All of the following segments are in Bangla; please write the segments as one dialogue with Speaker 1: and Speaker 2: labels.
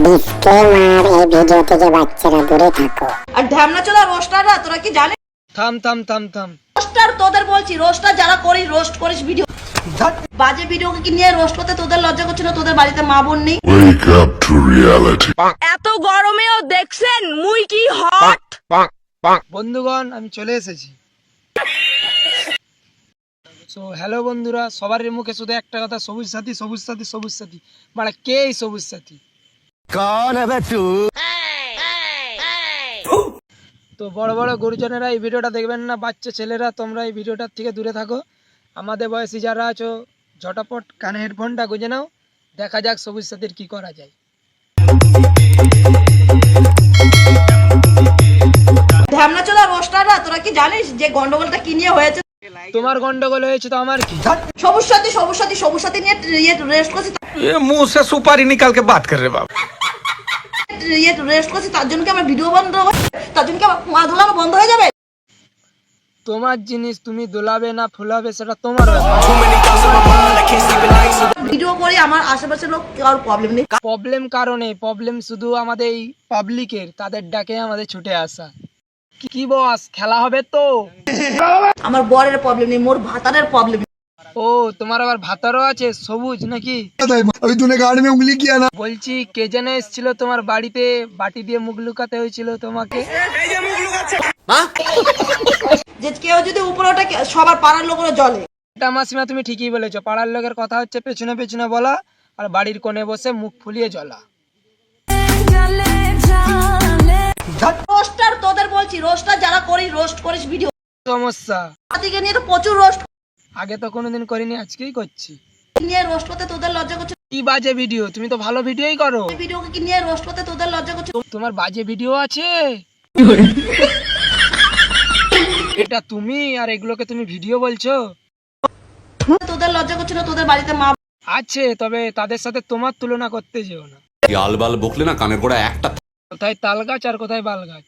Speaker 1: ডিসক্লেমার, এই ভিডিও থেকে বাচ্চারা দূরে থাকো।
Speaker 2: আর ঢ্যামনা চোদা রোস্টাররা, তোরা কি জানিস?
Speaker 3: থাম থাম থাম থাম।
Speaker 2: রোস্টার তোদের বলছি, রোস্টার যারা করিস, রোস্ট করিস ভিডিও, বাজে ভিডিওকে কি নিয়ে রোস্ট করতে তোদের লজ্জা করছিল? তোদের বাড়িতে মা বোন নেই?
Speaker 4: Wake up to reality.
Speaker 2: এত গরমেও দেখছেন মুই কি হট।
Speaker 3: বন্ধুগণ, আমি চলে এসেছি। সো হ্যালো বন্ধুরা, সবার মুখে শুধু একটা কথা, সবুজ সাথী সবুজ সাথী সবুজ সাথী। মানে কে এই সবুজ সাথী? তো বড় বড় গুরুজনেরা এই ভিডিওটা দেখবেন না, বাচ্চা ছেলেরা তোমরা এই ভিডিওটার থেকে দূরে থাকো। আমাদের বয়সী যারা আছো ঝটাপট কানে হেডফোনটা গুঁজে নাও, দেখা যাক সবুজ সাথীর কি করা যায়।
Speaker 2: ঢ্যামনা চোদা রোস্টাররা, তোরা কি জানিস যে গন্ডগোলটা কি নিয়ে হয়েছে?
Speaker 3: তোমার গন্ডগোল হয়েছে তো আমার কি?
Speaker 2: সবুজ সাথী নিয়ে রেস্ট করছি।
Speaker 5: ये मुंह से सुपारी निकाल के बात कर रहे बाप।
Speaker 2: রেস্ট করছি, তার জন্য কি আমার ভিডিও বন্ধ হবে? তার জন্য কি আমার পা ধোলানো বন্ধ হয়ে যাবে?
Speaker 3: তোমার জিনিস তুমি দোলাবে না ফুলাবে সেটা তোমার ব্যাপার।
Speaker 2: ভিডিও করে আমার আশেপাশের লোক কারোর প্রবলেম নেই।
Speaker 3: প্রবলেম কারণে, প্রবলেম শুধু আমাদের এই পাবলিকের, তাদের ডাকে আমাদের ছুটে আসা। কি বস, খেলা হবে তো?
Speaker 2: আমার বরের প্রবলেম নেই, মোর ভাতারের প্রবলেম।
Speaker 3: ও, তোমার আবার ভাতারও আছে সবুজ নাকি?
Speaker 6: अभी तूने गाड़ी में उंगली किया ना।
Speaker 3: বলছি কে যেন এসেছিল তোমার বাড়িতে, বাটি দিয়ে মুখ লুকাতে হয়েছিল তোমাকে।
Speaker 2: যে কেউ যদি উপরে ওঠে, সবার পাড়ার লোকেরা জলে।
Speaker 3: এটা মাসিমা তুমি ঠিকই বলেছো, পাড়ার লোকের কথা হচ্ছে পেছনে পেছনে বলা, আর বাড়ির কোণে বসে মুখ ফুলিয়ে জ্বলা।
Speaker 2: রোস্টার তোদের বলছি, রোস্টার যারা করিস, রোস্ট করিস ভিডিও,
Speaker 3: সমস্যা
Speaker 2: দিকে নিয়ে তো প্রচুর রোস্ট
Speaker 3: আগে তো কোনোদিন করিনি, আজকেই করছি।
Speaker 2: নিয়ে রোস্ট করতে তোদের লজ্জা করছে?
Speaker 3: কি বাজে ভিডিও? তুমি তো ভালো ভিডিওই করো।
Speaker 2: ভিডিওকে কি নিয়ে রোস্ট করতে তোদের লজ্জা করছে?
Speaker 3: তোমার বাজে ভিডিও আছে? এটা তুমি, আর এগুলোকে তুমি ভিডিও বলছো?
Speaker 2: তোদের লজ্জা করছে না? তোদের বাড়িতে মা
Speaker 3: আছে, তবে তাদের সাথে তোমার তুলনা করতে যেও না।
Speaker 7: আলবাল বকলে না কানের গোড়া একটা।
Speaker 3: কোথায় তাল গাছ আর কোথায় বাল গাছ।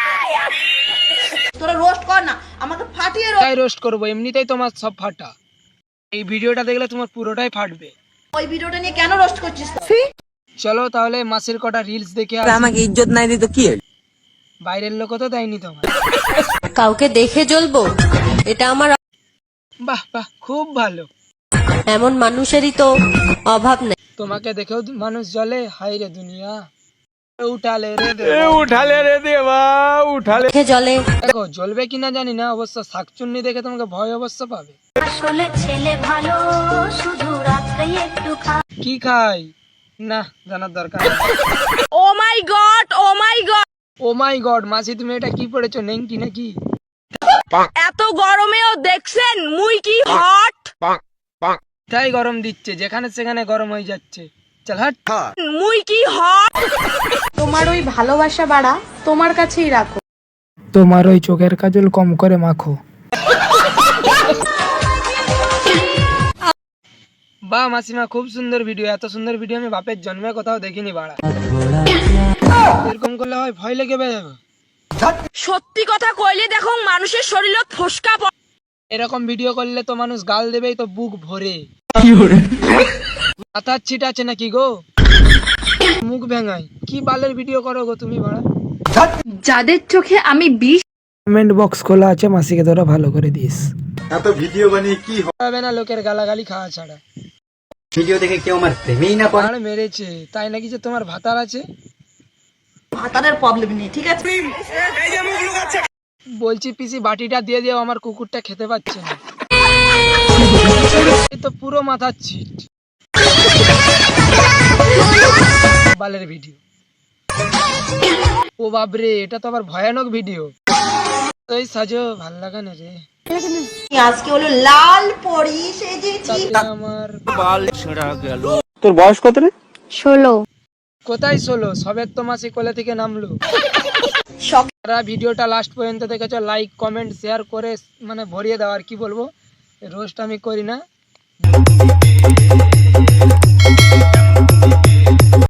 Speaker 2: তোরা রোস্ট কর না, আমাকে ফাটিয়ে
Speaker 3: তাই রোস্ট করবো, এমনিতেই তোমার সব ফাটা। এই ভিডিওটা দেখলে তোমার পুরোটাই ফাটবে।
Speaker 2: ওই ভিডিওটা নিয়ে কেন রোস্ট করছিস?
Speaker 3: চলো তাহলে মাসের কটা রিলস দেখে
Speaker 8: আমাকে ইজ্জত নাই দিত কি হল?
Speaker 3: বাইরের লোকও তো দেয়নি তোমার।
Speaker 9: কাউকে দেখে জ্বলবো, এটা আমার।
Speaker 3: বাহ বাহ, খুব ভালো।
Speaker 9: এমন মানুষেরই তো অভাব নেই।
Speaker 3: তোমাকে দেখেও মানুষ জ্বলে? হাই রে দুনিয়া, উঠালে রে
Speaker 5: उठा ले रे देवा, उठा ले।
Speaker 9: দেখে জ্বলে।
Speaker 3: দেখো জ্বলবে কিনা জানি না, অবশ্য শাকচুন্নি দেখে তোমাকে ভয় অবশ্য পাবে।
Speaker 10: আসলে ছেলে ভালো, শুধু রাত্রে একটু
Speaker 3: কি খাই না জানার দরকার নেই।
Speaker 2: Oh my God, oh my God,
Speaker 3: oh my God, মাসি তুমি এটা কি পড়েছো, নেংটি নাকি?
Speaker 2: এত গরমেও দেখছেন মুই কি হট।
Speaker 3: তাই গরম দিচ্ছে, যেখানে সেখানে গরম হয়ে যাচ্ছে। চল হাট।
Speaker 2: মুই কি হট।
Speaker 11: তোমার ওই ভালোবাসা বাড়া তোমার কাছেই রাখো।
Speaker 3: তোমার ওই চোখের কাজল কম করে মাখো। বাহ মাসিমা, খুব সুন্দর ভিডিও। এত সুন্দর ভিডিও আমি বাপের জন্মে কোথাও দেখিনি বাড়া। এরকম করলে হয় ভয় লেগে যাবে।
Speaker 2: সত্যি কথা কইলে দেখো মানুষের শরীরে ফসকা পড়ে।
Speaker 3: এরকম ভিডিও করলে তো মানুষ গাল দেবেই তো বুক ভরে। মাথার ছিট আছে নাকি গো? মুখ ভেঙাই কি বালের ভিডিও করো গো তুমি বাড়া।
Speaker 11: যাদের চোখে আমি বিষ।
Speaker 3: কমেন্ট বক্স খোলা আছে, মাসিকে তোরা ভালো করে দিস।
Speaker 6: এত ভিডিও বানিয়ে কি
Speaker 3: হবে না লোকের গালাগালি খাওয়া ছাড়া।
Speaker 8: ভিডিও দেখে কেউ আমার প্রেমেই না পড়ে।
Speaker 3: আর মেরেছে তাই নাকি যে তোমার ভাতার আছে?
Speaker 2: ভাতারের প্রবলেম নেই, ঠিক আছে?
Speaker 3: বলছি পিসি বাটিটা দিয়ে দিও, আমার কুকুরটা খেতে পাচ্ছে না। এই তো পুরো মাথার ছিট। বালের ভিডিও। ও বাবরে, এটা তো আবার ভয়ানক ভিডিও। এই সাজো ভাল লাগা না রে।
Speaker 2: আজকে হলো লাল পরি সেজেছি।
Speaker 3: আমার
Speaker 8: তোর বয়স কত রে?
Speaker 11: 16।
Speaker 3: কোথায় 16? সবের তো মাসি কোলে থেকে নামলো। যারা ভিডিওটা লাস্ট পর্যন্ত দেখেছো, লাইক কমেন্ট শেয়ার করে মানে ভরিয়ে দাও। আর কি বলবো, রোস্ট আমি করি না।